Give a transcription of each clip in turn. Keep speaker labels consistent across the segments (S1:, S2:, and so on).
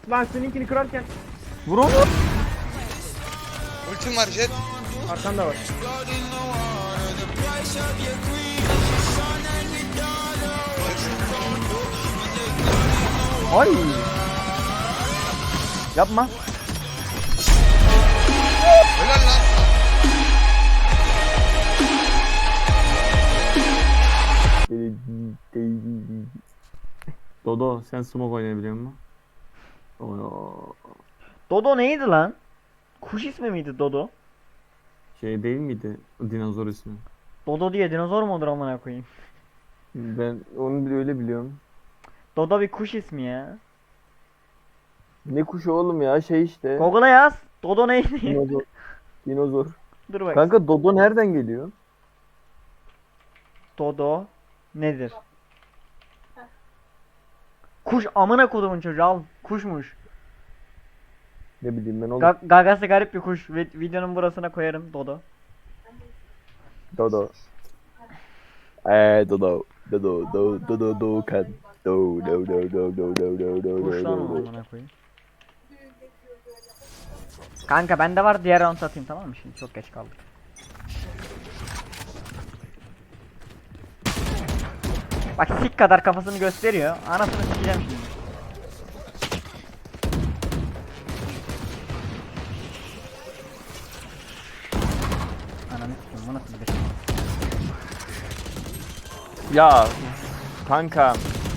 S1: Lan seninkini kırarken
S2: Vur onu.
S3: Ultim var Jet.
S1: arkanda var.
S2: Ay. Yapma.
S3: Helal lan.
S2: Dodo sen smoke oynayabiliyor musun? Oo,
S4: Dodo neydi lan? Kuş ismi miydi Dodo?
S2: şey değil miydi o dinozor ismi?
S4: Dodo diye dinozor mu olur amına koyayım?
S2: Ben onu bile öyle biliyorum.
S4: Dodo bir kuş ismi ya.
S2: Ne kuşu oğlum ya şey işte.
S4: Google'a yaz. Dodo neydi?
S2: Dinozor. Dinozor.
S4: Dur bak.
S2: Kanka Dodo nereden geliyor?
S4: Dodo nedir? Kuş amına kodumun çocuğu al. Kuşmuş.
S2: Ne bileyim ben oğlum.
S4: Gagası garip bir kuş. Videonun burasına koyarım Dodo.
S2: Dodo. Dodo. Dodo. Dodo. Dodo. Doğukan. Do do do do do do do do
S4: Kuş lan o
S2: do do.
S4: amına koyayım. Kanka bende var, diğer round atayım tamam mı, şimdi çok geç kaldık. Bak sik kadar kafasını gösteriyor. Anasını sikeceğim şimdi. Ananı sikeyim, bu nasıl bir şey?
S2: Ya kanka.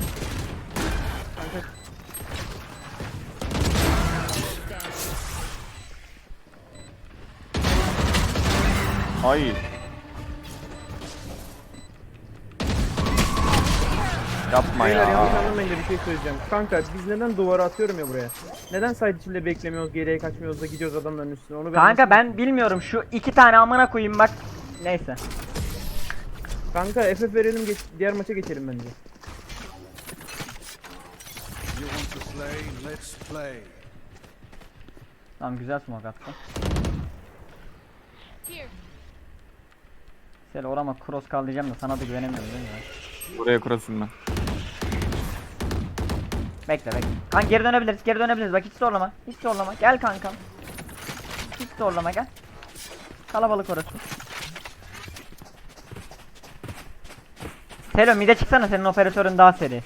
S2: Hayır. Yapma
S1: Beyler
S2: ya.
S1: yanlış anlamayın da bir şey söyleyeceğim. Kanka biz neden duvara atıyorum ya buraya? Neden site içinde beklemiyoruz, geriye kaçmıyoruz da gidiyoruz adamların üstüne? Onu
S4: Kanka
S1: nasıl-
S4: ben bilmiyorum, şu iki tane amına koyayım bak. Neyse.
S1: Kanka FF verelim, diğer maça geçelim bence.
S5: You want to play? Let's play.
S4: Tamam, güzel smoke attı. Sel orama cross kal diyeceğim de sana da güvenemiyorum değil mi?
S2: Buraya kurasın ben.
S4: Bekle bekle. Kanka geri dönebiliriz, geri dönebiliriz. Bak hiç zorlama. Hiç zorlama. Gel kankam. Hiç zorlama, gel. Kalabalık orası. Selo mide çıksana, senin operatörün daha seri.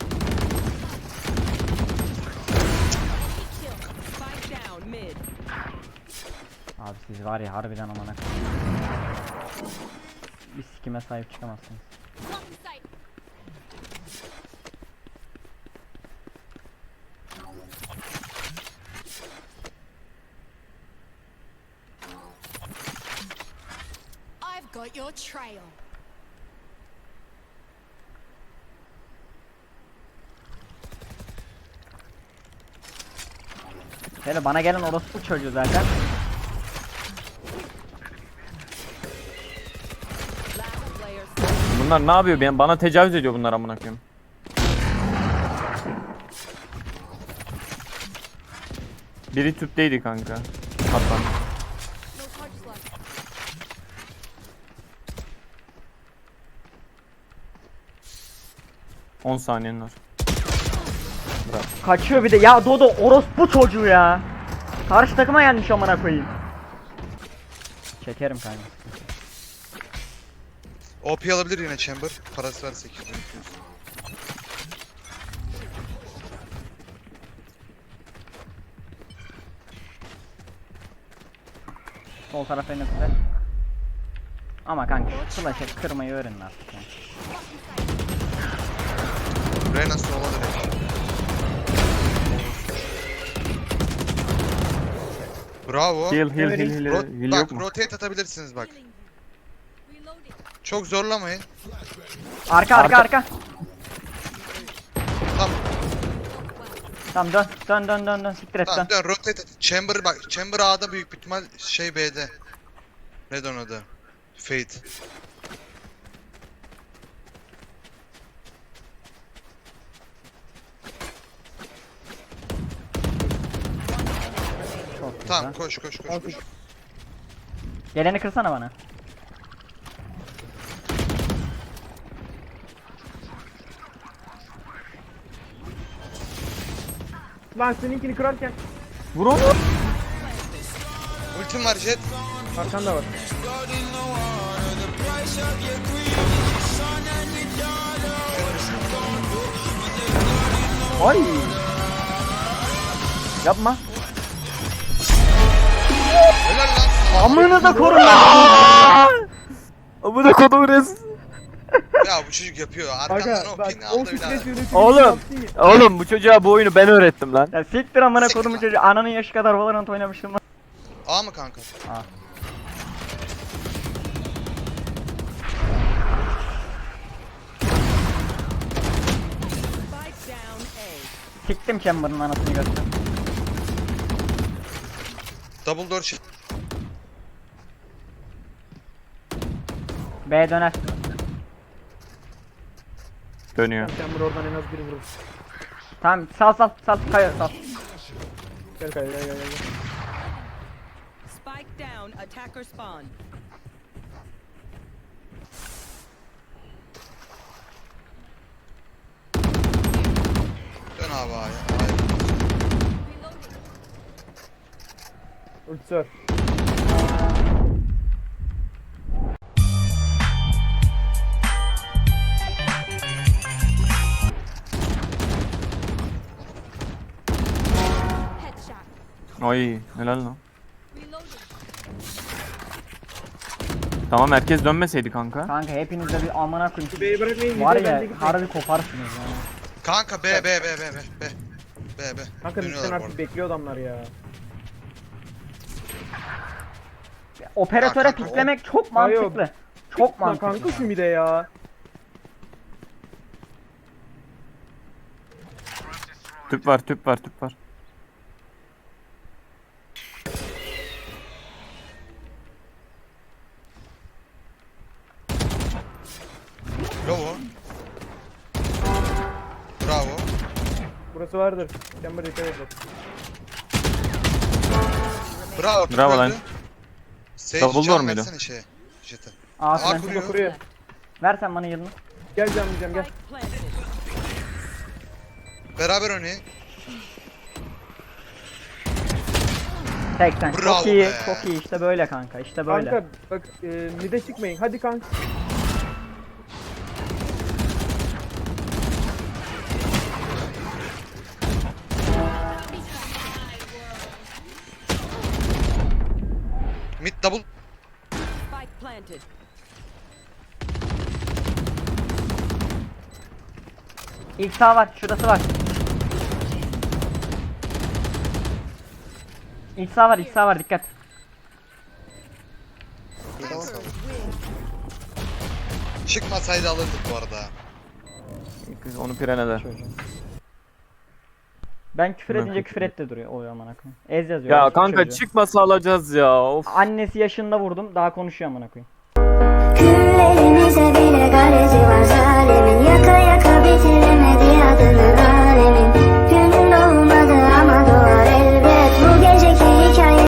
S6: Spike down mid.
S4: Abi siz var ya harbiden amına. Bir sikime sahip çıkamazsınız.
S6: I've got your trail.
S4: Selo bana gelen orospu çocuğu zaten.
S6: Last player
S2: Bunlar ne yapıyor? Bana tecavüz ediyor bunlar amına koyayım. Biri tüpteydi kanka. Hatta.
S6: no charges left.
S2: 10 saniyen var.
S4: Kaçıyor bir de. Ya Dodo orospu çocuğu ya. Karşı takıma gelmiş amına koyayım. Çekerim kanka.
S3: OP alabilir yine Chamber. Parası var 800.
S4: Sol taraf en üstte. Ama kanka şu flash'ı kırmayı öğrenin artık ya.
S3: Reyna sola direkt. Bravo.
S2: Heal heal.
S3: Bak
S2: Yok mu?
S3: rotate atabilirsiniz bak.
S6: Reloading.
S3: Çok zorlamayın.
S4: Arka.
S3: Tamam
S4: Tamam dön. Siktir et dön.
S3: tamam dön rotate at. Chamber bak. Chamber A'da büyük bir ihtimal şey B'de. Neden o da? Fate.
S4: Çok güzel.
S3: Tamam koş.
S4: Geleni kırsana bana.
S1: Lan seninkini kırarken
S7: Vur onu.
S3: Ultim var Jet.
S1: arkanda var.
S7: Ay. Yapma.
S3: Helal lan sana.
S4: Amını da korun lan.
S7: Amına kodum res.
S3: Ya bu çocuk yapıyor. Arkandan
S1: Aga
S3: o
S1: bak
S3: ping'i
S1: o
S3: aldı bir daha.
S1: stres yönetimi
S7: Oğlum.
S1: yaptın ya.
S7: Oğlum bu çocuğa bu oyunu ben öğrettim lan.
S4: Ya siktir amına kodumu çocuğu. Ananın yaşı kadar Valorant oynamıştım lan.
S3: A mı kanka?
S6: Spike down A.
S4: Siktim Chamber'ın anasını göster.
S3: Double door shift.
S4: B döner.
S7: Dönüyor.
S1: Chamber oradan en az biri vurur.
S4: Tamam sal kayıyor sal.
S1: Gel gel gel gel.
S6: Spike down. Attacker spawn.
S3: Dön abi A'ya. A'ya.
S1: Ultisi var.
S6: Headshot.
S7: Ay helal lan.
S6: Reloading.
S7: Tamam herkes dönmeseydi kanka.
S4: Kanka hepiniz de bir amına koyayım.
S1: B'yi bırakmayın.
S4: Var
S1: bir de ben de
S4: ya
S1: gitmeyeyim.
S4: harbi koparsınız yani.
S3: Kanka B. B.
S1: Kanka bizden
S3: Dönüyorlar bu
S1: artık
S3: arada.
S1: bekliyor adamlar ya.
S4: Operatöre
S3: Kanka,
S4: piklemek çok
S1: Hayır.
S4: mantıklı. Çok
S1: Lan
S4: mantıklı.
S1: kanka şu mide ya.
S7: Tüp var tüp var tüp var.
S3: Bravo. Bravo.
S1: Burası vardır. Chamber dikkat et bak.
S3: Bravo.
S7: Bravo
S3: öldü.
S7: lan.
S3: Sage
S7: Double door
S3: can
S7: muydu?
S3: versene şeye. Jet'e.
S4: Aa
S3: A
S4: sen
S3: kuruyor.
S1: Kuruyor.
S4: ver sen bana yılını.
S1: Gel canlayacağım gel.
S6: Spike planted.
S3: Beraber oynayın.
S4: 80.
S3: Bravo
S4: Çok iyi,
S3: be.
S4: çok iyi. İşte böyle kanka. İşte böyle.
S1: Kanka bak mide çıkmayın. Hadi kanka.
S3: Mid double.
S6: Spike planted.
S4: İlk sağ var. Şurası var. İlk sağ var. İlk sağ var. Dikkat.
S3: Çıkmasaydı alırdık bu arada.
S7: Kız onu piren eder.
S4: Ben küfür
S7: Ben
S4: edince
S7: küfür
S4: küfür etti duruyor. O amına koyayım. Ez yazıyor.
S7: Ya
S4: orospu
S7: kanka
S4: çocuğu.
S7: çıkmasa alacağız ya. Of.
S4: Annesi yaşında vurdum. Daha konuşuyor amına koyayım.
S8: Küllerimize bile garezi var.